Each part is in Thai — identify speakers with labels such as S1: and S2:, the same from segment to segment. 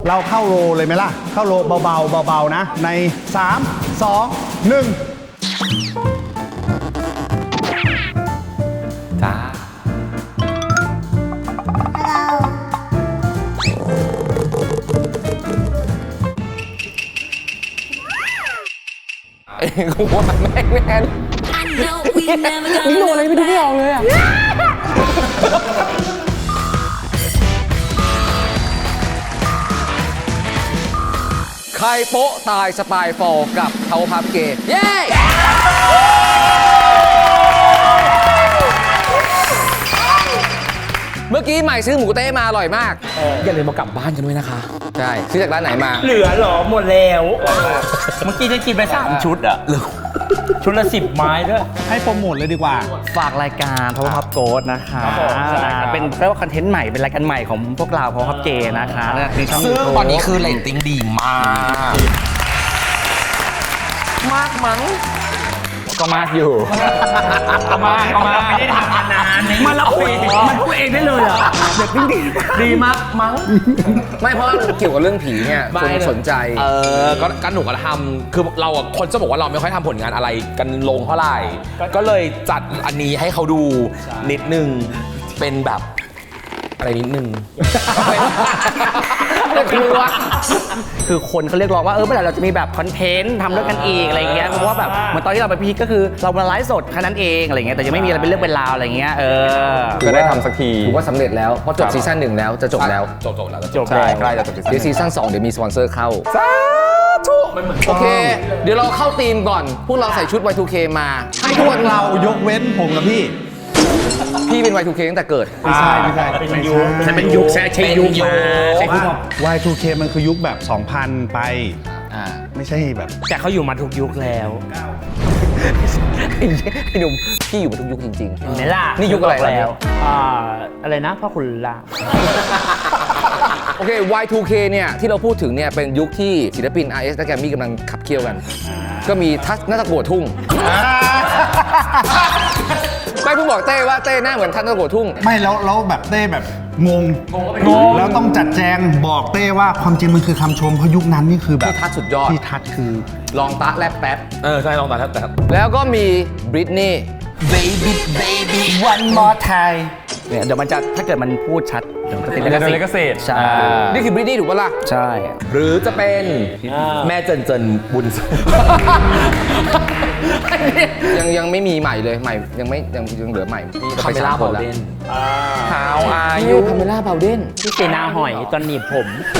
S1: เราเข้าโรเลยไหมล่ะเข้าโรเบาๆเบาๆนะใน3 2 1
S2: จ้าเอ้ยกูว่าแม่งแน่นนี่โดนอะไรไม่ดูไม่ออกเลยอ่ะใครโป๊ะตายสปายฟอลกับเทาพับเกย์เย้ เมื่อกี้ใหม่ซื้อหมูเต้มาอร่อยมากอย่าลืมมากลับบ้านกันด้วยนะคะ ใช่ ซื้อจากร้านไหนมา
S3: เหลือเหรอหมดแล้วเมื่อกี้ฉันกินไป3 ชุดอะชุดละ10 ไม้ด้วย
S1: ให้โปรโมทเลยดีกว่า
S4: ฝากรายการ Power Pop Go นะคะ
S3: ครับผมใช่ครับ
S4: เป็นเรียกว่าคอนเทนต์ใหม่เป็นรายการใหม่ของพวกเรา Power Pop J นะคะในช่อง
S2: ซึ่ง
S4: YouTube
S2: ตอนนี้คือเรตติ้งดีมากมากมั้งก็มากอยู่
S3: เอามาไม่ได้ทำมานานมันละคุยมันพูดเองได้เลยเหรอเด็กดีมากมั้ง
S2: ไม่เพราะเกี่ยวกับเรื่องผีเนี่ยคนสนใจ
S5: ก็หนูก็ทำคือเราอะคนจะบอกว่าเราไม่ค่อยทำผลงานอะไรกันลงเท่าไหร่ ก็เลยจัดอันนี้ให้เขาดูนิดนึง เป็นแบบอะไรนิดนึง
S4: คือคนเขาเรียกร้องว่าเมื่อไหร่เราจะมีแบบคอนเทนต์ทำด้วยกันอีกอะไรเงี้ยเพราะว่าแบบเหมือนตอนที่เราไปพีคก็คือเรามาไลฟ์สดแค่นั้นเองอะไรเงี้ยแต่ยังไม่มีอะไรเป็นเรื่องเป็นราวอะไรเงี้ย
S2: ก็ได้ทำสักทีถือว่าสำเร็จแล้วเพราะจบซีซั่น1แล้วจะจบแล้ว
S5: จบแล้ว
S3: จบแล้ว
S5: ใกล้จะจบ
S2: เดี๋ยวซีซั่น2เดี๋ยวมีสปอนเซอร์เข้าโอเค เดี๋ยวเราเข้าธีมก่อน พวกเราใส่ชุด Y2K มา
S1: ให้ทุกคนเรายกเว้นผมกับพี่
S2: พี่เป็น Y2K ตั้งแต่เกิด
S1: ไม่ใช่
S3: เป็นยุคฉันเป็นยุคใช่ยุคมาใช่ยุค
S1: Y2K มันคือยุคแบบ 2000 ไป ไม่ใช่แบบ
S3: แต่เขาอยู่มาทุกยุคแล้ว
S2: ไอ้หนุ่มพี่อยู่มาทุกยุคจริง
S3: เห็นไหมล่ะ
S2: นี่ยุคอะไร
S3: บกแล้วอะไรนะพ่อคุณล่า
S2: ๆ โอเค Y2K เนี่ยที่เราพูดถึงเนี่ยเป็นยุคที่ศิลปิน RS และแกรมมี่กำลังขับเคี่ยวกัน ก็มีทัศน์นัตะกัวทุ่ง ไม่เพิ่งบอกเต้ว่าเต้หน้าเหมือนทัศน์นัตะกัวทุ่ง
S1: ไม่แล้วแบบเต้แบบงงแล้วต้องจัดแจงบอกเต้ว่าความจริงมันคือคำชมเพราะยุคนั้นนี่คือแบบ
S2: ที่ทัศน์สุดยอด
S1: ที่ทัดคือ
S2: ลองตะแลบแป๊บ
S5: ใช่ลองตาแต่
S2: แล้วก็มีบริตนี่
S4: baby one more time เนี่ยเดี๋ยวมันจะถ้าเกิดมันพูดชัดเดี๋ยวมันจะติดลิขสิทธิ์ใช่
S2: นี่คือบริตนี่ถูกปะล่ะ
S4: ใช่
S5: หรือจะเป็นแม่เจินบุญ
S2: ยังไม่มีใหม่เลยใหม่ยังเหลือใหม่ที่จะไปสร้างคนแล้ว
S5: How are
S2: อายุ
S5: you
S2: พาเมล่าเบาเดน
S3: ที่เซนาหอยตอนหนีบผม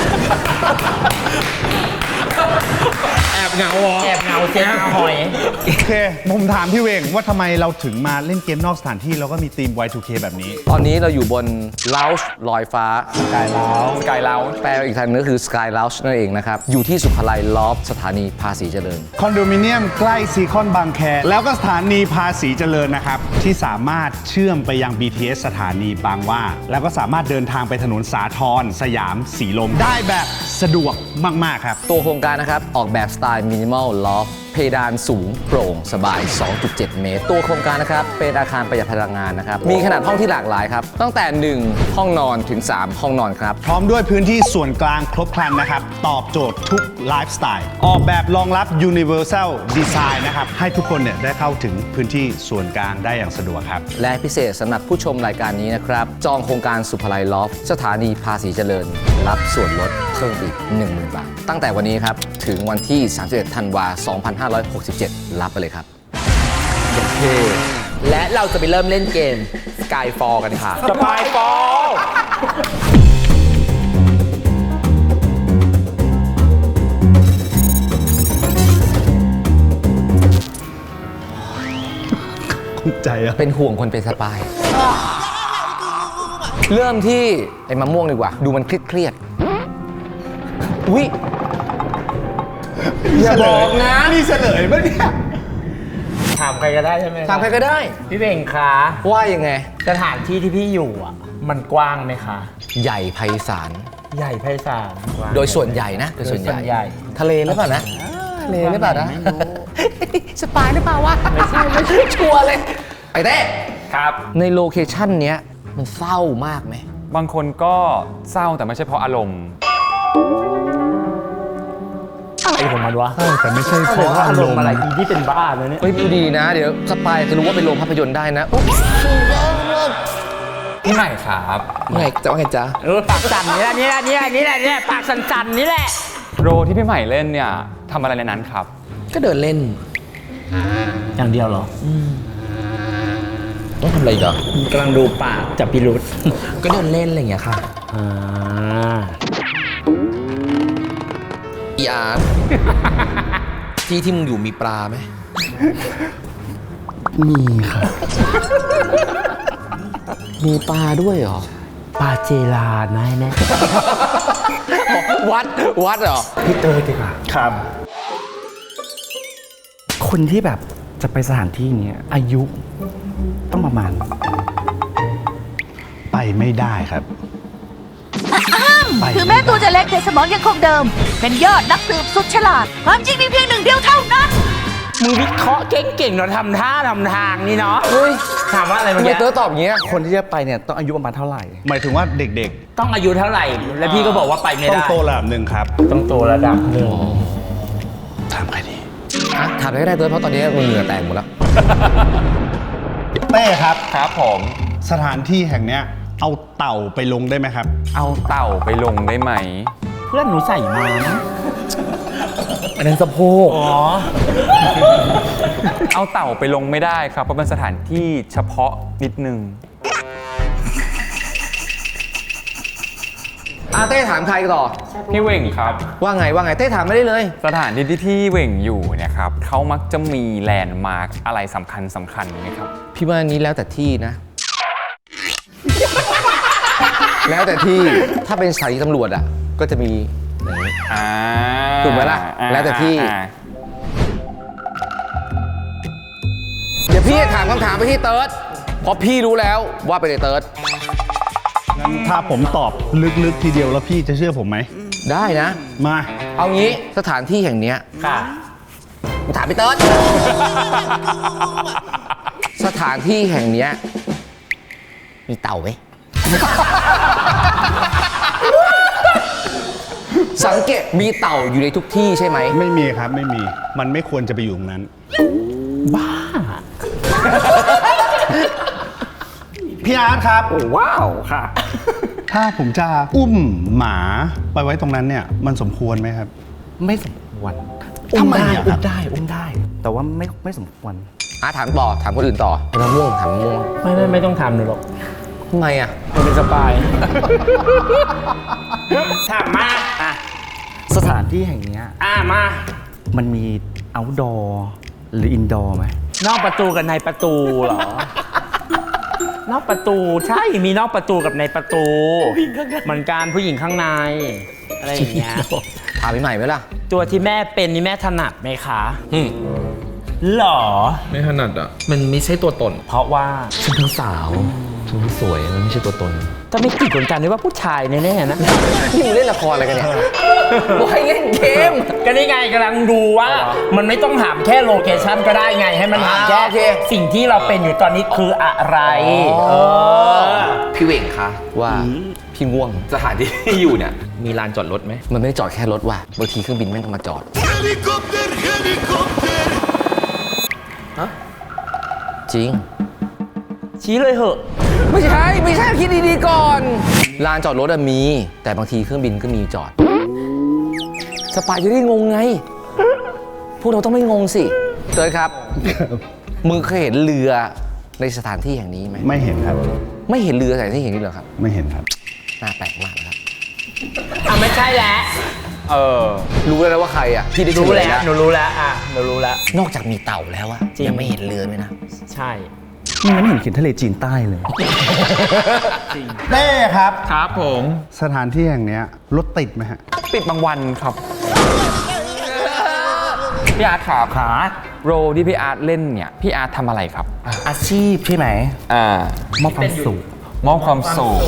S5: แอบเหงา
S3: แอบเงาเซนาหอย
S1: โอเคผมถามพี่เวงว่าทำไมเราถึงมาเล่นเกมนอกสถานที่แล้วก็มีธีม Y2K แบบนี้
S2: ตอนนี้เราอยู่บน Lounge ลอยฟ้า
S5: สกายเลา
S2: แปลอีกทางนึงก็คือ Sky Lounge นั่นเองนะครับ อยู่ที่สุขลัยลอฟสถานีภาษีเจริญ
S1: คอนโดมิเนียมใกล้ซีคอนบางแคแล้วก็สถานีภาษีเจริญนะครับ ที่สามารถเชื่อมไปยัง BTS สถานีบางหว่า แล้วก็สามารถเดินทางไปถนนสาทรสยามสีลมได้แบบสะดวกมาก ๆ ครับ
S2: ตัวโครงการนะครับ ออกแบบสไตล์มินิมอลลอฟเพดานสูงโปร่งสบาย 2.7 เมตร ตัวโครงการนะครับ เป็นอาคารประหยัดพลังงานนะครับ มีขนาดห้องที่หลากหลายครับ ตั้งแต่ 1 ห้องนอนถึง 3 ห้องนอนครับ
S1: พร้อมด้วยพื้นที่ส่วนกลางครบครันนะครับ ตอบโจทย์ทุกไลฟ์สไตล์ออกแบบรองรับ Universal Design นะครับ ให้ทุกคนเนี่ยได้เข้าถึงพื้นที่ส่วนกลางได้อย่างสะดวกครับ
S2: และพิเศษสำหรับผู้ชมรายการนี้นะครับ จองโครงการสุภาลัยลอฟสถานีภาษีเจริญ รับส่วนลดเพิ่มอีก 10,000 บาท ตั้งแต่วันนี้ครับ ถึงวันที่ 31 ธันวาคม 2567 รับไปเลยครับ
S5: และเราจะไปเริ่มเล่นเกม Skyfall กันค่ะ
S3: สปายฟอล
S1: ใจอะ
S2: เป็นห่วงคนเป็นสปาย เริ่มที่ไอ้มะม่วงดีกว่า ดูมันเครียดๆอุ๊ย อย่าบอกนะ
S1: นี่เฉลยปะเนี่ย
S3: ถามใครก็ได้ใช่ไหม
S2: ถามใครก็ได้
S3: พี่เบ่งคะ
S2: ว่ายังไง
S3: สถานที่ที่พี่อยู่อ่ะ มันกว้างไหมคะ
S2: ใหญ่ไพศาล
S3: ใหญ่ไพศาลกว้าง
S2: โดยส่วนใหญ่นะ โดยส่วนใหญ่ ทะเลหรือเปล่านะ ทะเลหรือเปล่านะ
S3: ไม่รู้
S2: สปายหรือเปล่าวะ ไม่ใช่ชัวร์เลย ไอ้เต้
S3: ครับ
S2: ในโลเคชั่นเนี้ยมันเศร้ามากไหม
S6: บางคนก็เศร้าแต่ไม่ใช่เพราะอารมณ์
S3: มันวะ
S1: แต่ไม่ใใช่เพราะ
S3: อา
S1: อาร ร
S3: ม
S1: ม
S3: ณ์
S1: ณ์
S3: อะไรอีที่เป็นบ้านะเนี่ย
S2: เฮ้ยดูดีนะ เดี๋ยวสปายจะรู้ว่าเป็นโรงภาพยนตร์ได้นะอุ๊บ
S5: พี่ใหม่ครับพี่ใหม่จะว่าไงจ๊ะ
S3: ปากสั่นนี่แหละปากสั่นๆนี่แหละ
S6: โรที่พี่ใหม่เล่นเนี่ยทำอะไรในนั้นครับ
S5: ก็เดินเล่น
S3: อย่างเดียวเหรอ
S5: ต้องทำอะไรอีกเหรอก
S3: ำลังดูปากจับพิรุษ
S5: ก็เดินเล่นอะไรอย่างเงี้ยค่ะ อีอาร์ต ที่มึงอยู่มีปลาไหม
S4: มีค่ะ
S2: มีปลาด้วยเหรอ
S3: ปาเจลานะแน่
S2: วัดเหรอ
S4: พี่เตอร์ดีกว่า
S1: ครับ
S4: คนที่แบบจะไปสถานที่เนี้ยอายุต้องประมาณ
S1: ไปไม่ได้ครับ ไป
S7: ถึงแม้ตัวจะเล็กแต่สมองยังคงเดิม เป็นยอดนักสืบสุดฉลาด ความจริงมีเพียงหนึ่งเดียวเท่านั้น
S3: มึงวิเคราะห์เก่งๆเนาะทำท่าทำทางนี่เนาะ
S2: เฮ้ย
S3: ถามว่าอะไร
S2: ทำ
S3: เมื่อ
S2: ไม
S3: กี้
S2: เต๋อตอบอย่างเงี้ย
S4: คนที่จะไปเนี่ยต้องอายุประมาณเท่าไหร่
S1: หมายถึงว่าเด็ก
S3: ต้องอายุเท่าไหร่ แล้วพี่ก็บอกว่าไปไม่
S1: ๆ ต้อง
S3: ได้
S1: โตระดับหนึ่งครับ
S3: ต้องโตระดับหนึ่ง
S1: ถามใครดี
S2: อ่ะถามอะไรก็ได้เต๋อเพราะตอนนี้มึงเหงื่อแตกหมดแล้ว
S1: เต้ครับ
S6: ครับผม
S1: สถานที่แห่งเนี้ยเอาเต่าไปลงได้ไหมครับ
S6: เอาเต่าไปลงได้ไหม
S3: เพื่อนหนูใส่มานะ
S5: อันนั้นสะโพก
S3: อ๋อ
S6: เอาเต่าไปลงไม่ได้ครับ เพราะเป็นสถานที่เฉพาะนิดนึง
S2: เต้ถามใครต่อ
S6: พี่เหว่งครับ
S2: ว่าไงเต้ถามไม่ได้เลย
S6: สถานที่ที่เหว่งอยู่เนี่ยครับเขามักจะมีแลนด์มาร์กอะไรสำคัญไหมครับ
S2: พี่ว่านี้แล้วแต่ที่นะ แล้วแต่ที่ ถ้าเป็นสถานีตำรวจอ่ะ ก็จะมีอย่างนี้ ถูกไหมล่ะแล้วแต่ที่ เดี๋ยวพี่จะถามคำถามไปที่เติร์ดเพราะพี่รู้แล้วว่าไปเลยเติร์ด
S1: งั้นถ้าผมตอบลึกๆทีเดียวแล้วพี่จะเชื่อผมไหม
S2: ได้นะ
S1: มา
S2: เอางี้สถานที่แห่งเนี้ย
S3: ค่ะ
S2: กูถามไปเติร์ด สถานที่แห่งเนี้ยมีเต่าไหม สังเกตมีเต่าอยู่ในทุกที่ใช่ไหม
S1: ไม่มีครับไม่มี มันไม่ควรจะไปอยู่ตรงนั้น พี่อาร์ตครับ
S3: ว้าวค่ะ
S1: ถ้าผมจะอุ้มหมาไปไว้ตรงนั้นเนี่ย มันสมควรไหมครับ
S4: ไม่สมควร
S1: ทำไมอะครับ
S4: อุ้มได้ แต่ว่าไม่สมควร
S2: ถามต่อ ถามคนอื่นต่อมะม่วงถามมะม่วง
S3: ไม่ต้องทำหนูหรอก
S2: ทำไมอ่ะ
S3: มันเป็นสปายถามมาอ่ะ
S4: สถานที่แห่งเนี้ย
S3: มา
S4: มันมี outdoor หรือ indoor ไหม
S3: นอกประตูกับในประตูเหรอ นอกประตูใช่มีนอกประตูกับในประตูเหมือนการผู้หญิงข้างในอะไรอย่างเงี้ย
S2: ถามพี่ใหม่ไหมล่ะ
S3: ตัวที่แม่เป็นนี่แม่ถนัดไหมคะ
S5: อืม
S3: หรอ
S5: ไม่ถนัดอ่ะ มันไม่ใช่ตัวตน
S3: เพราะว่า
S5: ฉันทั้งสาวฉันทั้งสวย มันไม่ใช่ตัวตน
S3: จะไม่ติดเหมือนกันด้วยว่าผู้ชายแน่ๆนะ
S2: นี่มึงเล่นละครอะไรกันเนี่ยบอกให้เล่นเกม
S3: ก็นี่ไงกำลังดูว่า มันไม่ต้องถามแค่โลเคชั่นก็ได้ไงให้มันถามแค่
S2: โอเค
S3: สิ่งที่เราเป็นอยู่ตอนนี้คืออะไรเออ
S5: พี่เหว่งคะ
S2: ว่าพี่ง่วง
S5: สถานที่ที่อยู่เนี่ย มีลานจอดรถไหม
S2: มันไม่ได้จอดแค่รถว่ะบางทีเครื่องบินแม่งก็มาจอด จริง
S3: ชี้เลยเหอะ
S2: ไม่ใช่คิดดีๆก่อน ลานจอดรถอะมี แต่บางทีเครื่องบินก็มีจอด สปายจะได้งงไง พวกเราต้องไม่งงสิเตยครับ มึงเคยเห็นเรือในสถานที่แห่งนี้ไหม
S1: ไม่เห็นครับ
S2: ไม่เห็นเรือสถานที่แห่งนี้เหรอครับ
S1: ไม่เห็นครับ
S2: น่าแปลกมากนะครับ
S3: ไม่ใช่แล้ว
S2: รู้แล้วนะว่าใครอ่ะ พี่ได้
S3: รู้
S2: เฉลย
S3: แล้วหนูรู้แล้วหนูรู้แล้ว
S2: นอกจากมีเต่าแล้วอะ
S3: จริง
S2: ยังไม่เห็นเรือด้วยนะ
S3: ใช่
S4: นี่มันไม่เห็นเขียนทะเลจีนใต้เลย
S1: เต้ครับ
S6: ครับผม
S1: สถานที่แห่งเนี้ยรถติดไหมฮะ
S6: ปิดบางวันครับ พี่อาร์ตครับ
S4: ขา
S6: โรที่พี่อาร์ตเล่นเนี่ย พี่อาร์ตทำอะไรครับ
S4: อาชีพใช่ไหม มอบความสุข
S6: มอบความสุข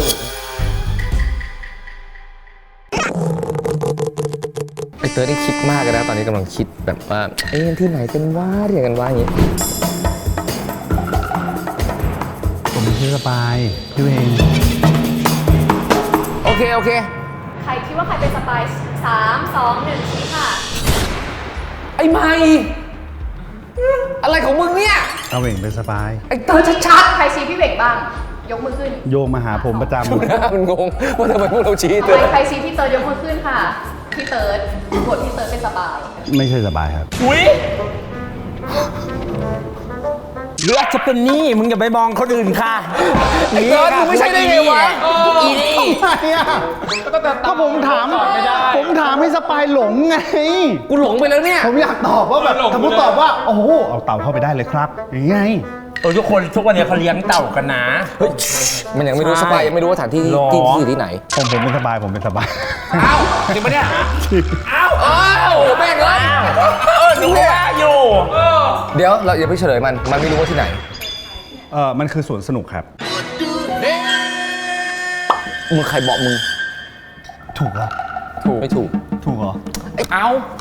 S2: ไอเตอร์นี่คิดมากเลยนะ ตอนนี้กำลังคิดแบบว่า ที่ไหนเป็นว่าเรียกกันว่าอย่างนี้
S1: ผมชื่อสบายพี่เวง
S2: โอเค
S8: ใครคิดว่าใครเป็นสปาย3 2 1ชี้ค่ะ
S5: อ้ใหม่ อะไรของมึงเนี่ย
S1: เอาเหว่งเป็นสบาย
S5: ไอ้เตอร์ชัด
S8: ใครชี้พี่เบ่งบ้าง ยกมือขึ้น
S1: โยงมาหาผมประจ
S5: ๆหน้ามันงงว่าทำไมพวกเราชี้เตอร์
S8: ใครชี้พี่เติร์ดยกมือขึ้นค่ะ พี่เติร์ดบทพี่เติร์ดเป็นสบาย
S1: ำไม่ใช่สบายครับ
S3: อุ้ยหรืออาจจะเป็นนี่มึงอย่าไปมองคนอื่นค่ะ
S5: ไอ้เตอร์มึงไม่ใช่ได้ไงวะ
S3: อีนี่
S1: ทำไมอ่ะก็ผมถามให้สปายหลงไง
S5: กูหลงไปแล้วเนี่ย
S1: ผมอยากตอบว่าแบบถ้าผมตอบว่า โอ้โห เอาเต่าเข้าไปได้เลยครับ อย่างไง
S3: ทุกคนทุกวันนี้เขาเลี้ยงเต่ากันนะ
S5: มันยังไม่รู้สปายยังไม่รู้ว่าสถานที่
S3: หรอ
S5: ที่อยู่ที่ไหน
S1: ผมเป็นสบาย ผมเป็นสบาย
S5: อ้าวจริงปะเนี่ยอ้าวแม่งเลย
S3: ดูว่าอยู่
S5: เดี๋ยวเราอย่าไปเฉลยมันไม่รู้ว่าที่ไหน
S1: มันคือสวนสนุกครับ
S5: มึงใครบอกมึง
S1: ถูกเหรอ
S5: ไม่ถูก
S1: ถูกเหรอ
S3: เอา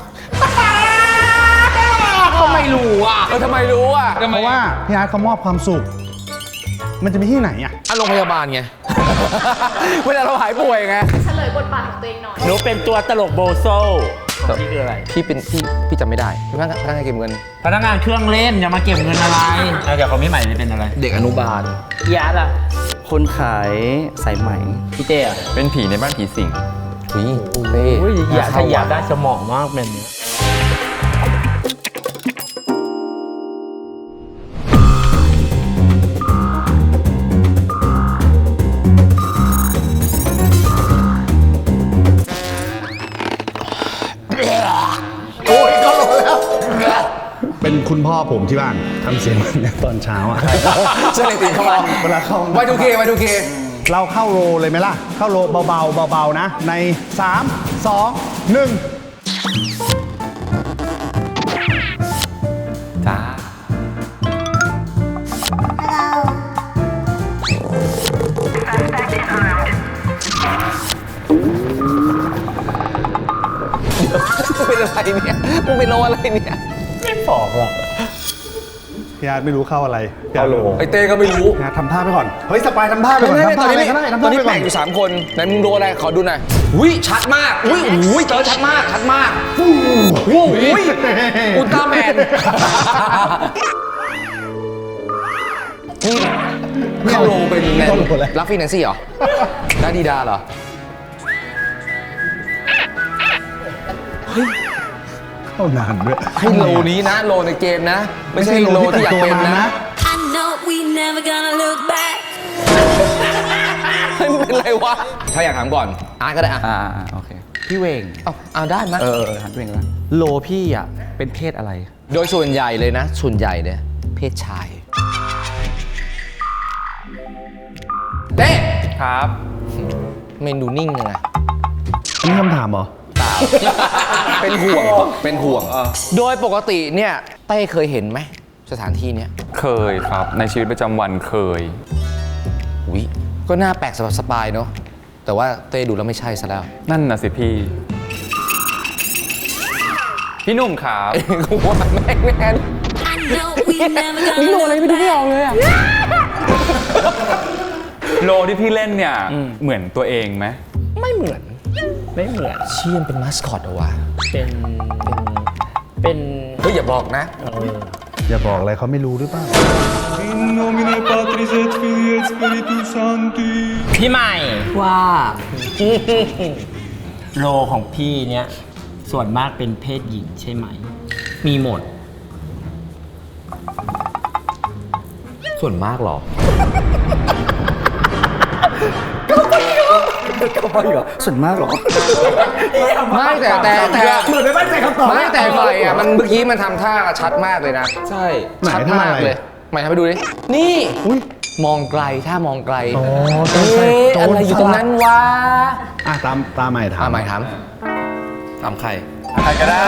S5: ทำไมรู้อ่ะทำไมรู้อ่ะ
S1: เพราะว่าพี่อาร์ตเขามอบความสุข มันจะมีที่ไหนอ่ะ
S5: โรงพยาบาลไง เวลาเราหายป่วยไง
S8: เฉลยบทบาทของตัวเองหน่อย
S3: หนูเป็นตัวตลกโบโซนี่คืออะไร
S5: พี่จำไม่ได้พี่พนักงานเก็บเงิน
S3: พนักงานเครื่องเล่นอย่ามาเก็บเงินอะไรเดี๋ยวเขาไม่ใหม่เลยเป็นอะไร
S5: เด็กอนุบาล
S3: ยาล่ะ
S4: คนขายสายไหม
S3: พี่เต้อะ
S6: เป็นผีในบ้านผีสิง
S5: อุ้ยเต้
S3: อุ้ยอยาก
S5: เข้
S3: อยาก
S5: ว่ะ
S3: ได้สมองมากเป็นเนี้ย
S1: เป็นคุณพ่อผมที่บ้านทำเสียงแบบนี้ตอนเช้าอ่ะ
S5: เชื่อในตีนเข้ามา
S1: เวลาเข้า
S5: ไวทูเค
S1: เราเข้าโรเลยไหมล่ะ เข้าโรเบาๆเบาๆนะ ใน 3 2 1
S6: จ้า
S5: เป็นอะไรเนี่ยมึงเป็นโลอะไรเนี่ย
S3: ไม่บอกหรอก
S1: พี่อาร์ตไม่รู้เข้าอะไรเข้าโร
S5: ไอเต้ก็ไม่รู้
S1: พี่อาร์ตทำท่าไปก่อน เฮ้ยสปายทำท่าไปก่อนทำ
S5: ต
S1: ท่า
S5: อน
S1: อะไร
S5: นี้
S1: ก็ได้ทำ
S5: ตอ
S1: ท่าน
S5: นี้
S1: ไปก่อ
S5: แบ่
S1: น
S5: งอยู่3คนไหนมึงโดนอะไรขอดูหน่อยอุ้ยชัดมากอุ้ยเต๋อชัดมากอุ้ยอุลตร้าแมนเข้าโรงเป็นรัฟฟี่แนนซี่เหรอดาดีดาเหรอ
S1: เข้านานด้วย
S5: ให้โลนี้นะโลในเกมนะ ไม่ใช่โลที่อยากเป็นนะ
S9: I know we never gonna look back.
S5: เฮ้ยมึงเป็นไรวะถ้าอยากถามก่อนอาร์ตก็ได้อ่ะ
S4: โอเค พี่เวง
S5: เอาได้ไหม
S4: หันพี่เวงแล้วโลพี่อ่ะ เป็นเพศอะไร
S5: โดยส่วนใหญ่เลยนะ ส่วนใหญ่เนี่ยเพศชายเต้
S6: ครับ
S5: เมนูนิ่งยังไง
S1: นี่คำถามเหรอ
S5: เป็นห่วง โดยปกติเนี่ยเต้เคยเห็นไหมสถานที่เนี้ย
S6: เคยครับ ในชีวิตประจำวันเคย
S5: วิก็น่าแปลกสำหรับสปายเนาะแต่ว่าเต้ดูแล้วไม่ใช่ซะแล้ว
S6: นั่นน่ะสิพี่ พี่หนุ่มครับ
S5: กูว่าแม่งแน่
S9: I know we never gonna
S5: นี่โลอะไร
S9: look
S5: ไม่ดูไม่ออก
S9: back.
S5: เลยอ่ะ
S6: โลที่พี่เล่นเนี่ย เหมือนตัวเองไหม
S3: ไม่เหมือน ไม่เหมือน
S5: เชี่ยมเป็นมาสคอตเหรอวะ
S3: เป็น
S5: เฮ้ยอย่าบอกนะ
S1: อย่าบอกอะไรเขาไม่รู้หรือเปล่า
S3: พี่ใหม่
S4: ว่า
S3: โลของพี่เนี้ยส่วนมากเป็นเพศหญิงใช่ไหม มีหมด
S5: ส่วนมากเหรอ
S4: ส่วนมากเหรอ
S5: ไม่แต่เหมือนไม่มั่นใจคำตอบไม่แต่ไฟอ่ะมันเมื่อกี้มันทำท่าชัดมากเลยนะ ใช่
S1: ไหน
S5: ชัด
S1: ท่าม
S5: าก
S1: อะไร
S5: เลยใหม่ทำไปดูดินี่มองไกลถ้ามองไกล
S1: ใช่ใช่
S5: เอ๊ะอะไรอยู่ตรงนั้นวะ
S1: อ่ะตามใหม่ถาม
S5: ใหม่ถามใคร
S6: ใครก็ได้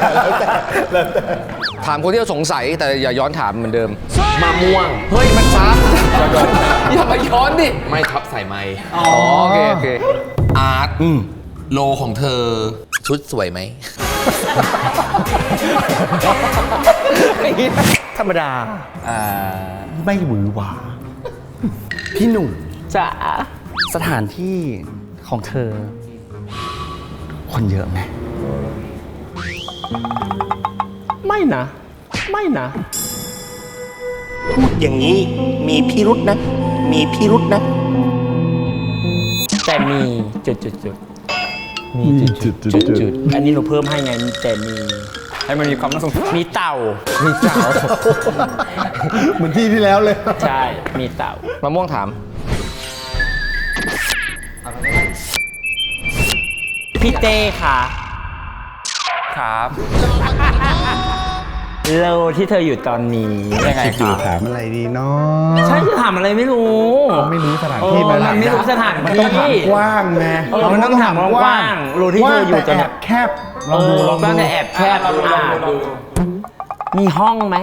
S5: ถามคนที่เราสงสัยแต่อย่าย้อนถามเหมือนเดิมมะม่วงเฮ้ยมันช้าอย่ามาย้อนดิไม่ทับใส่ไม้อ๋อโอเคอาร์ตโลของเธอชุดสวยไหม
S4: ธรรมดา ไม่หวือหวา พี่หนุ่ม
S3: จ๋า
S4: สถานที่ของเธอ คนเยอะไหม
S3: ไม่นะ ไม่นะ
S4: พูดอย่างนี้มีพิรุษนะ มีพิรุษนะ
S3: แต่มีจุดมีจุดอันนี้หนูเพิ่มให้ไงแต่มี
S6: ให้มันมีความน่าสงสัย
S3: มีเต่า
S1: เหมือนที่ที่แล้วเลย
S3: ใช่ มีเต่า
S2: มะม่วงถาม
S3: พี่เต้ค่ะ
S6: ครับ
S3: โลที่เธออยู่ตอนนี้
S6: ยังไงครับ
S1: ถามอะไรดีเนาะ
S3: ใช่จะถามอะไรไม่รู้
S1: ไม่รู้สถานที่
S3: มันไม่รู้สถาน
S1: มัน
S3: ที่
S1: ต้องถามกว้างไง
S3: มันต้องถามกว้างๆรู้ที่เธออยู่
S1: แต่
S3: จะ
S1: แอบแคบลองดูลอง
S3: บ้าน
S1: ดู
S3: แต่แอบแคบมีห้องไหม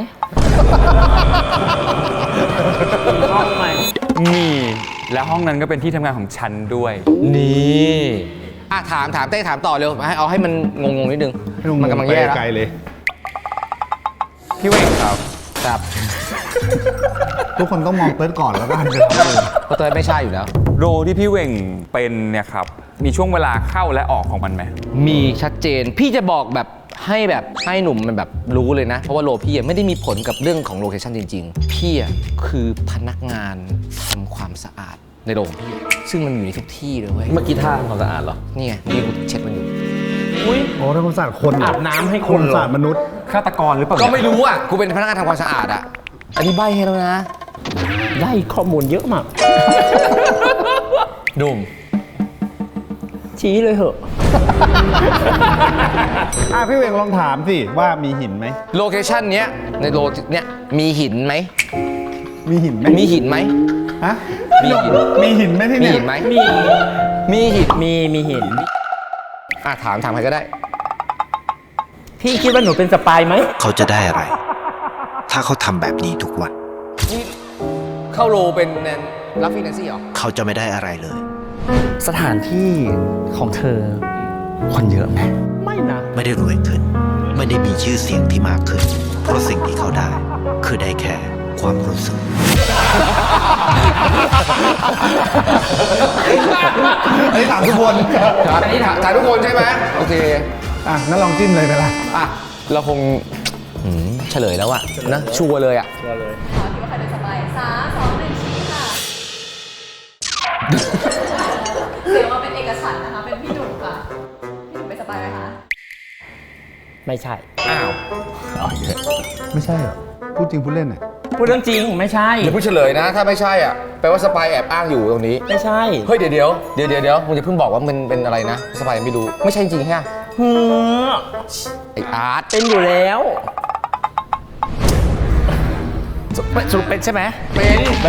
S3: มีห้องไหม
S6: มีและห้องนั้นก็เป็นที่ทำงานของฉันด้วย
S2: นี่ถามเต้ถามต่อเร็วเอาให้มันงงๆนิดนึง
S1: ให้ลุง
S2: มันกำลังแย่แล้ว
S1: ไปไกลเลย
S6: พี่เวงครับ
S2: ครับ
S1: ทุกคนต้องมองเติร์ดก่อนแล้วก็หันไปมองเลย
S2: เพราะเต้ไม่ใช่อยู่แล้ว
S6: โรที่พี่เวงเป็นเนี่ยครับ มีช่วงเวลาเข้าและออกของมันไหม
S2: มีชัดเจน พี่จะบอกแบบให้หนุ่มมันแบบรู้เลยนะ เพราะว่าโลพี่ไม่ได้มีผลกับเรื่องของโลเคชั่นจริงๆ พี่คือพนักงานทำความสะอาดในโรงพี่ ซึ่งมันอยู่ในทุกที่เลยเว้ย
S4: เมื่อกี้ท่าทำความสะอาดเหรอ
S2: นี่ไงนี่กูเช็ดมันอยู่
S3: อุ้ย
S1: โอ้ถ้าคนศาสตร์คนเหร
S3: อาบน้ำให้
S1: ค
S3: คน
S1: น
S3: เหรอ
S1: ศาสตร์มนุษย์
S6: ฆาตกรหรือเปล่า
S2: ก็ไม่รู้อ่ะ กูเป็นพนักงานทำความสะอาดอ่ะ อันนี้ใบให้แล้วนะ
S3: ได้ข้อมูลเยอะมาก
S2: ดุม
S3: ชี้เลยเหอะ
S1: พี่เวงลองถามสิว่ามีหินไหม
S2: โลเคชั่นเนี้ยในโลเนี้ยมีหินไหม
S1: มีหินไหม
S2: มีหินไหม
S1: ฮะ
S2: มีหิน
S1: มีหินไหมที่
S2: มี
S1: เนี่ย
S2: หินไหม
S3: มี
S2: มีหิน
S3: มีหิน
S2: ถามใครก็ได้
S3: พี่คิดว่าหนูเป็นสปายไหม
S10: เขาจะได้อะไร ถ้าเขาทำแบบนี้ทุกวัน
S2: นี่เข้าโลเป็นรับฟินแลนซี่เหรอ
S10: เขาจะไม่ได้อะไรเลย
S4: สถานที่ของเธอ คนเยอะไหม
S3: ไม่นะ
S10: ไม่ได้รวยขึ้น ไม่ได้มีชื่อเสียงที่มากขึ้น เพราะสิ่งที่เขาได้ คือได้แค่ความรู้สึก
S1: อันนี้ถามทุกคน
S2: อันนี้ถามทุกคนใช่ไหมโอเค
S1: อ่ะงั้นลองจิ้มเลยไปละ
S2: เราคงเฉลยแล้วอะนะชัวร์เลยอะ
S8: ขอคิดว่าใครเป็นสปาย3 2 1ชี้ค่ะ เสียงมาเป็นเอกฉันท์นะคะ เป็นพี่หนุ่มค่ะ พี่หนุ่มเป็นสปายไหมคะ
S3: ไม่ใช่
S2: อ้าว
S1: ไม่ใช่เหรอ พูดจริงพูดเล่นอ่ะ
S3: พูดเรื่องจริงไม่ใช่
S2: เดี๋ยวพูดเฉลยนะ ถ้าไม่ใช่อ่ะแปลว่าสปายแอบอ้างอยู่ตรงนี้
S3: ไม่ใช่
S2: เฮ้ยเดี๋ยวมึงจะเพิ่งบอกว่ามันเป็นอะไรนะสปายยังไม่รู้ไม่ใช่จริงใช่ไหม
S3: เฮ้อ
S2: ไออาร์ต
S3: เป็นอยู่แล้ว
S4: สรุปเป็นใช่ไหม
S2: เป็น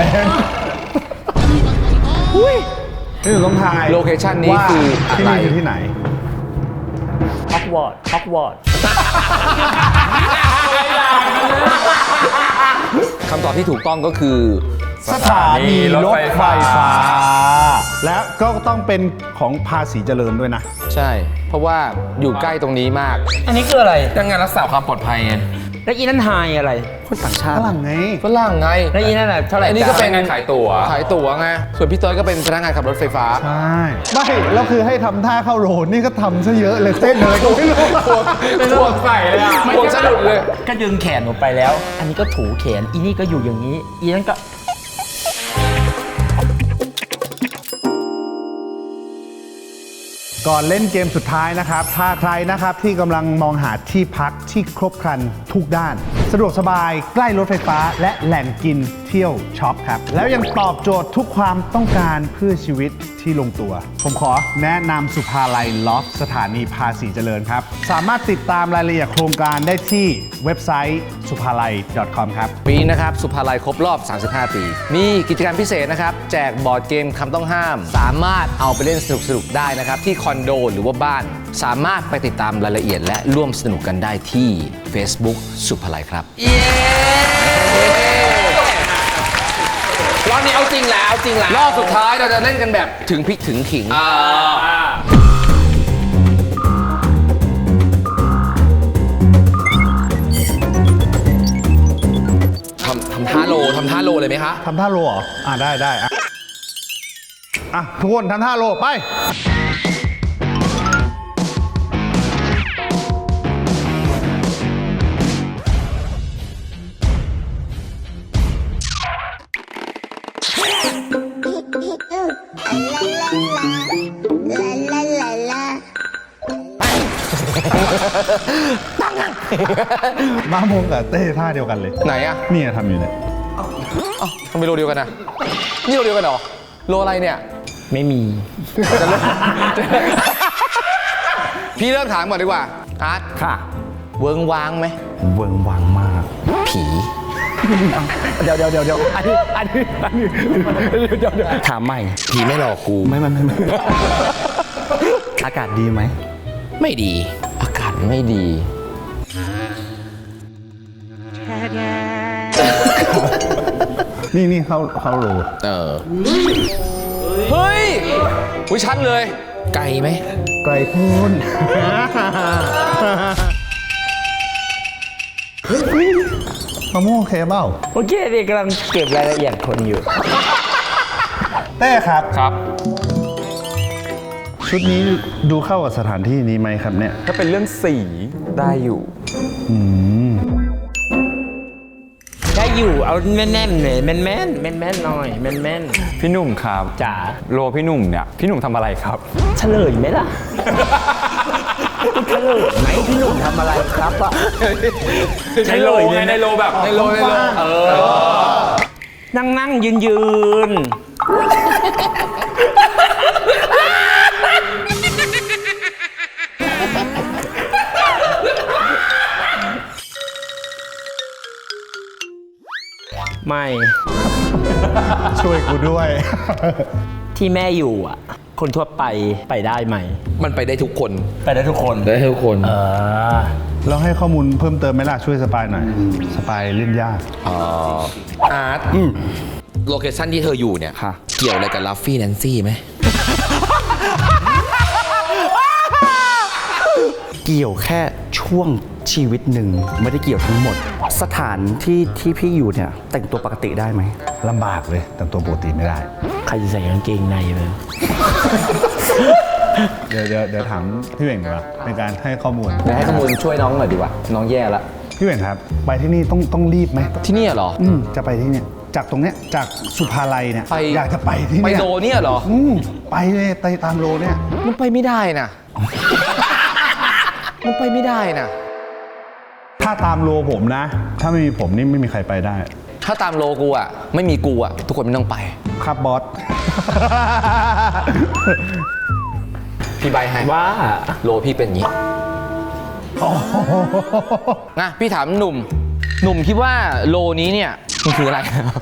S1: นี่หนูต้องทาย
S2: โลเคชั่นนี้
S1: ว่า
S2: คืออะ
S1: ที่
S2: ไร
S1: นี่คือที่ไหน
S3: ฮอกวอตส์
S2: คำตอบที่ถูกต้องก็คือ
S1: สถานีรถไฟฟ้า และก็ต้องเป็นของภาษีเจริญด้วยนะ
S2: ใช่ เพราะว่าอยู่ใกล้ตรงนี้มาก
S3: อันนี้คืออะไร
S2: ดังงานรักษาความปลอดภัยไง
S3: แล้วอีนั่นไฮอะไร
S4: คนต่างชา
S1: ฝ
S4: ติ
S1: รั่งไง
S2: ฝรั่งไง
S3: แล้วอีนั่นน่ะเท่าไหร่
S2: อันนี้ก็เป็น
S6: งานขายตั๋ว
S2: ขายตั๋วไงส่วนพี่เติร์ดก็เป็นพนักงานขับรถไฟฟ้า
S1: ใช่ ไม่แล้วคือให้ทำท่าเข้าโรนนี่ก็ทำซะเยอะเลยเต้นเลยก็ไม่รู้
S2: พวกใส่เลยอะพวกสะดุดเลย
S3: ก็ดึงแขนหนูไปแล้ว อันนี้ก็ถูแขน อีนี่ก็อยู่อย่างนี้ อีนั่นก็
S1: ก่อนเล่นเกมสุดท้ายนะครับ ถ้าใครนะครับที่กำลังมองหาที่พักที่ครบครันทุกด้าน สะดวกสบายใกล้รถไฟฟ้าและแหล่งกินเที่ยวช็อปครับ แล้วยังตอบโจทย์ทุกความต้องการเพื่อชีวิตที่ลงตัว ผมขอแนะนำสุภาลัยลอฟสถานีภาษีเจริญครับ สามารถติดตามรายละเอียดโครงการได้ที่เว็บไซต์ suphalai.com ครับ
S2: ปีนี้นะครับสุภาลัยครบรอบ 35 ปี มีกิจกรรมพิเศษนะครับ แจกบอร์ดเกมคำต้องห้าม สามารถเอาไปเล่นสนุกๆได้นะครับ ที่คอนโดหรือว่าบ้าน สามารถไปติดตามรายละเอียดและร่วมสนุกกันได้ที่ Facebook สุภาลัยครับรอบนี้เอาจริงแล้วรอบสุดท้ายเราจะเล่นกันแบบถึงพริกถึงขิง ทำท่าโลเลยไหมคะ
S1: ทำท่าโลเหรอ ได้ทุกคนทำท่าโลไป
S2: พ
S1: มาโมงกับเต้ท่าเดียวกันเลย
S2: ไหนอะ
S1: นี่ทำอยู่เนี่ย
S2: เอ้าทำไมโลเดียวกันนะนี่โลเดียวกันเหรอโลอะไรเนี่ย
S3: ไม่มี
S2: จะเริ่ม พี่เริ่มถามก่อนดีกว่าอาร์ต
S3: ค่ะ
S2: เวิงว้างไหม
S1: เวิงวังมาก
S2: ผี
S4: เดี๋ยวอันนี้เดี๋ยวถามใหม่
S2: ผีไม่หลอกกู
S4: ไม่อากาศดีไหม
S2: ไม่ดี อากาศไม่ดี
S1: นี่เข้าโหล
S2: เฮ้ยวิชัดเลย ไกลไหม
S1: ไกลโพ้นมะม่วงโอเคเปล่า
S3: โอเคนี่กำลังเก็บรายละเอียดคนอยู่
S1: เต้ครับ
S6: ครับ
S1: ชุดนี้ดูเข้ากับสถานที่นี้ไหมครับเนี่ย
S6: ถ้าเป็นเรื่องสีได้อยู่
S1: อืม
S3: ได้อยู่เอาแม่นๆเลยแม่นหน่อยแม่น
S6: พี่หนุ่มครับ
S3: จ๋า
S6: โลพี่หนุ่มเนี่ย พี่หนุ่มทำอะไรครับ
S3: เฉลยไหมล่ะ เฉลยไหมพี่หนุ่มทำอะไรครับอะ
S6: ในโลไงในโลแบบในโล
S3: นั่งยืนไม่
S1: ช่วยกูด้วย
S3: ที่แม่อยู่อ่ะ คนทั่วไปได้ไหม
S5: มันไปได้ทุกคน
S3: ไปได้ทุกคน
S5: ได้ทุกคน
S1: เราให้ข้อมูลเพิ่มเติมไหมล่ะ ช่วยสปายหน่อย สปายเล่นยาก
S5: อาร์ตโลเคชั่นที่เธออยู่เนี่ย
S4: ค่ะ
S5: เกี่ยวอะไรกับลัฟฟี่แนนซี่ไหม
S4: เกี่ยวแค่ช่วงชีวิตหนึ่งไม่ได้เกี่ยวทั้งหมด สถานที่พี่อยู่เนี่ยแต่งตัวปกติได้ไหม
S1: ลำบากเลย แต่ตัวปกติไม่ได้
S3: ใครจะใส่กางเกงในเลย
S1: เดี๋ยวถามพี่เหว่งดีกว่าเป็นการให้ข้อมูล
S2: เดี๋ยวให้ข้อมูลช่วยน้องหน่อยดีกว่า น้องแย่ละ
S1: พี่เหว่งครับ ไปที่นี่ต้องรีบไหม
S2: ที่นี่เหรอ
S1: จะไปที่เนี่ย จากตรงเนี้ย จากสุภาลัยเนี่ย
S2: ไป
S1: อยากจะไปที่
S2: ไป
S1: เนี่ย
S2: โลเนี่ยเหรอ
S1: ไปเลยไปตามโลเนี่ย
S2: มันไปไม่ได้นะ มันไปไม่ได้นะ
S1: ถ้าตามโลผมนะ ถ้าไม่มีผมนี่ไม่มีใครไปได้
S2: ถ้าตามโลกูอ่ะ ไม่มีกูอ่ะ ทุกคนไม่ต้องไป
S1: ครับบอส
S2: พี่ใบให้
S3: ว่า
S2: โลพี่เป็นอย่างนี้นะพี่ถามหนุ่ม หนุ่มคิดว่าโลนี้เนี่ยมันคืออะไร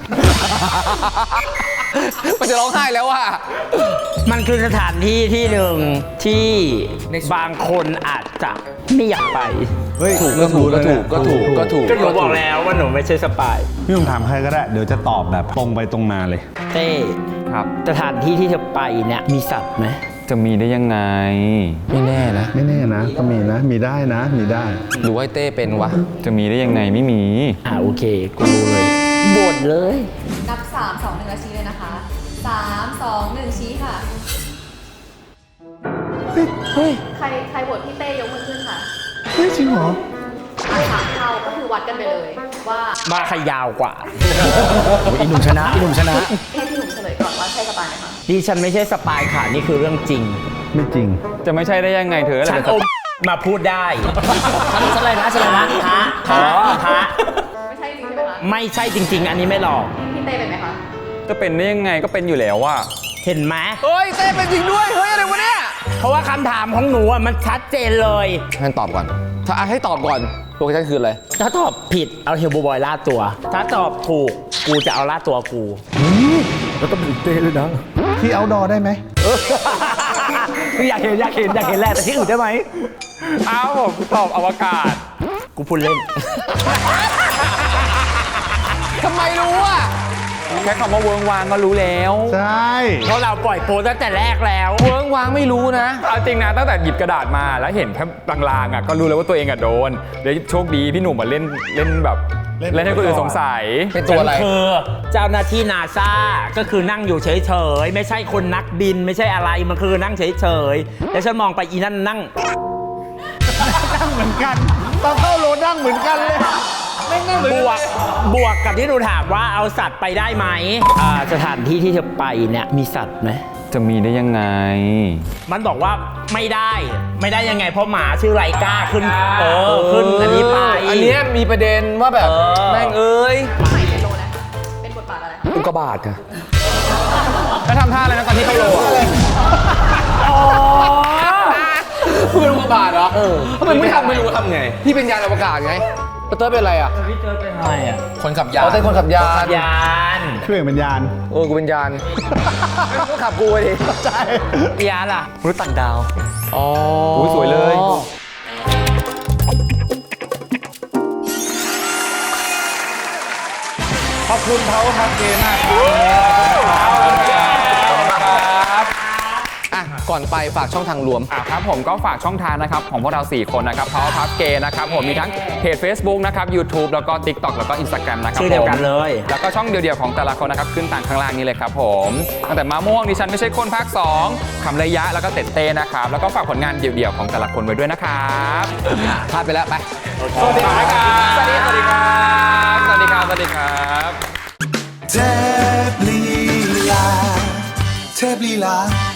S2: มันจะร้องไห้แล้วว่ะ
S3: มันคือสถานที่ที่หนึ่งที่บางคนอาจจะไม่อยากไป
S1: เฮ้ย
S2: ถูกก็ถูกก็ถูกก็ถูกก็ถูก
S3: ก็หนูบอกแล้วว่าหนูไม่ใช่สปาย
S1: พี่ผมถามใครก็ได้ เดี๋ยวจะตอบแบบตรงไปตรงมาเลย
S3: เต้
S6: ครับ
S3: สถานที่ที่เธอไปเนี่ยมีสัตว์ไหม
S6: จะมีได้ยังไง
S2: ไม่แน่นะ
S1: ไม่แน่นะ ก็มีนะ มีได้นะ มีได้
S2: หรือว่าไอ้เต้เป็นวะ
S6: จะมีได้ยังไงไม่มี
S3: โอเคกูรู้เลยบ่นเลย
S8: นับ 3 2 1แล้วชี้เลยนะคะ 3 2 1 ชี้ค่ะ
S3: เฮ้ย
S8: ใครโหวตพี่เต้ยกมือขึ้นค่ะ
S1: เฮ้ย จริงเหรอ
S8: ถามเขาก็คือวัดกันไปเลยว่า
S3: มาใครยาวกว่า
S4: อีหนุ่มชนะ
S8: ให้พี่หนุ่มเฉลยก่อนว่าใช่สปายไหมคะ
S3: ดิฉันไม่ใช่สปายค่ะ นี่คือเรื่องจริง
S1: ไม่จริง
S6: จะไม่ใช่ได้ยังไงเธอ
S3: ฉัน
S6: อะไร
S3: อมมาพูดได้ ฉันเลยนะพระ
S8: ไม่ใช่จริงใช่ไหมคะ
S3: ไม่ใช่จริง ๆ อันนี้ไม่หลอก
S8: พี่เต้เป็นไหมคะ
S6: จะเป็นได้ยังไงก็เป็นอยู่แล้วว่า
S3: เห็นไหม
S2: เฮ้ย เต้เป็นจริงด้วย เฮ้ย อะไรวะเนี่ย
S3: เพราะว่าคำถามของหนูอะมันชัดเจนเลย
S2: ให้ตอบก่อน ถ้าให้ตอบก่อนโลเคชั่นคืออะไร
S3: ถ้าตอบผิดเอาเฮลโบบอยล่าตัว ถ้าตอบถูกกูจะเอาล่าตัวกู
S4: แล้วก็เป็นเต้เลยนะ
S1: ที่เอาดอได้ไหม
S4: อยากเห็นแหละแต่ที่อื่นได้ไหม
S6: อ้าวผมตอบอวกาศ
S3: กูพูดเล่น
S2: ทำไมรู้อ่ะ
S6: แค่คำว่าเวิร์งวางก็รู้แล้ว
S1: ใช่
S3: เพราะเราปล่อยโปรตั้งแต่แรกแล้ว
S2: เวิร์งว้างไม่รู้นะ
S6: เอาจริงนะตั้งแต่หยิบกระดาษมาแล้วเห็นแค่ลางๆอ่ะก็รู้เลยว่าตัวเองอ่ะโดนเดี๋ยวโชคดีพี่หนุ่มมาเล่นแบบเล่นให้คนอื่นสงสัย
S2: เป็นตัวอะไร
S3: ฉันคือเจ้าหน้าที่นาซาก็คือนั่งอยู่เฉยๆ ไม่ใช่คนนักบินไม่ใช่อะไร มันคือนั่งเฉยๆ แล้วฉันมองไปอีนั่นนั่ง
S1: นั่งเหมือนกัน ตอนเข้าโลนั่งเหมือนกันเลย
S3: บวกกับที่หนูถามว่าเอาสัตว์ไปได้ไหมสถานที่ที่เธอไปเนี่ยมีสัตว์ไหม
S6: จะมีได้ยังไง
S3: มันบอกว่าไม่ได้ยังไงเพราะหมาชื่อไรก้าขึ้นขึ้นอันนี้ไป
S2: อันเนี้ยมีประเด็นว่าแบบแม่งเอ้ย
S8: ใหม่เป็นโลนะเป็นบทบาทอะไร
S2: อุกกาบาตค่ะ
S6: แล้วทำท่าอะไรนะตอนที่เข้าโลอะ
S2: คุณเป็นอุกกาบาตเหรอทำไมไม่ทำไม่รู้ทำไง พี่เป็นยานอวกาศไงปเตอร์เป็นอะไรอ่ะ
S3: พี่เจอเป็นอะไรอ่ะ
S5: คนขับยาน
S2: อ๋อเป็นคนขับยาน
S3: ยาน
S1: เครื่องเป็นยาน
S2: โอ้กูเป็นยานก็ขับกูไปดิ
S1: ใช่
S3: ยานล่ะ
S4: มนุษย์ต่างดาว
S2: อ๋อ
S6: อุ้ยสวยเลย
S1: ขอบคุณเขาครับเกมากครับ
S2: อ่ะก่อนไปฝากช่องทางรวม
S6: ครับผมก็ฝากช่องทางนะครับของพวกเรา 4 คนนะครับ Power Puff Gay นะครับผมมีทั้งเพจ Facebook นะครับ YouTube แล้วก็ TikTok แล้วก็ Instagram นะครับ
S3: ชื่อเดียวกันเลย
S6: แล้วก็ช่องเดียวๆของแต่ละคนนะครับขึ้นต่างข้างล่างนี้เลยครับผมตั้งแต่มาม่วงดิฉันไม่ใช่คนภาค 2คำระยะแล้วก็เต็ดเต้นะครับแล้วก็ฝากผลงานเดี่ยวๆของแต่ละคนไว้ด้วยนะครับ
S2: พลาดไปแล้วไป
S6: สวัสดีครับสวัสดีครับสวัสดีครับสวัสดีครับ
S11: เทพลีลาเทพลีลา